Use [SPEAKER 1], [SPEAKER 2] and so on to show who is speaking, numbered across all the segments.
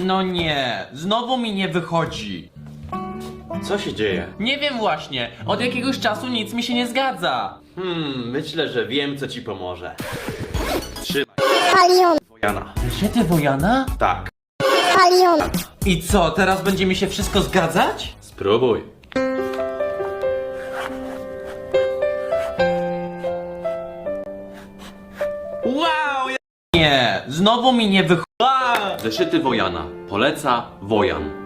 [SPEAKER 1] No nie, znowu mi nie wychodzi.
[SPEAKER 2] Co się dzieje?
[SPEAKER 1] Nie wiem właśnie, od jakiegoś czasu nic mi się nie zgadza.
[SPEAKER 2] Myślę, że wiem, co ci pomoże. Trzymaj.
[SPEAKER 3] Palion,
[SPEAKER 2] Wojana.
[SPEAKER 1] Zeszyty Wojana?
[SPEAKER 2] Tak,
[SPEAKER 3] palion,
[SPEAKER 1] I co, teraz będzie mi się wszystko zgadzać?
[SPEAKER 2] spróbuj.
[SPEAKER 1] Wow! Nie, znowu mi nie wychodzi.
[SPEAKER 2] Zeszyty Wojana. Poleca Wojan.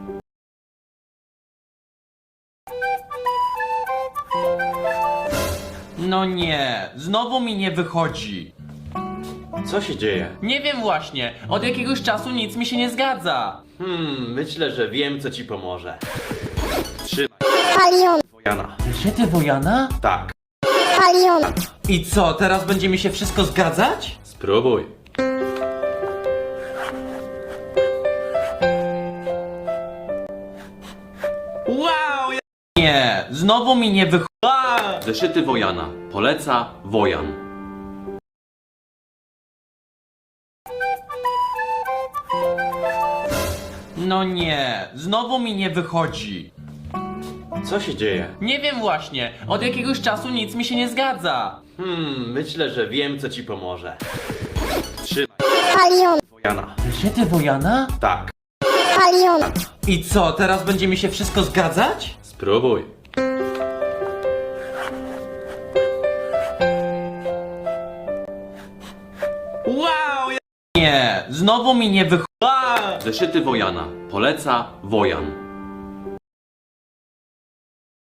[SPEAKER 1] No nie, znowu mi nie wychodzi.
[SPEAKER 2] Co się dzieje?
[SPEAKER 1] Nie wiem właśnie, od jakiegoś czasu nic mi się nie zgadza.
[SPEAKER 2] Myślę, że wiem, co ci pomoże. Trzymaj.
[SPEAKER 3] palion,
[SPEAKER 2] Wojana.
[SPEAKER 1] Zeszyty Wojana?
[SPEAKER 2] Tak,
[SPEAKER 3] palion,
[SPEAKER 1] I co, teraz będzie mi się wszystko zgadzać?
[SPEAKER 2] spróbuj.
[SPEAKER 1] Wow! Nie, znowu mi nie wychodzi.
[SPEAKER 2] Zeszyty Wojana. Poleca Wojan.
[SPEAKER 1] No nie, znowu mi nie wychodzi.
[SPEAKER 2] Co się dzieje?
[SPEAKER 1] Nie wiem właśnie, od jakiegoś czasu nic mi się nie zgadza.
[SPEAKER 2] Myślę, że wiem, co ci pomoże. Trzymaj.
[SPEAKER 3] palion,
[SPEAKER 2] Wojana.
[SPEAKER 1] Zeszyty Wojana?
[SPEAKER 2] Tak,
[SPEAKER 3] palion,
[SPEAKER 1] I co, teraz będzie mi się wszystko zgadzać?
[SPEAKER 2] spróbuj.
[SPEAKER 1] Wow! Nie, znowu mi nie wychodzi.
[SPEAKER 2] Zeszyty Wojana. Poleca Wojan.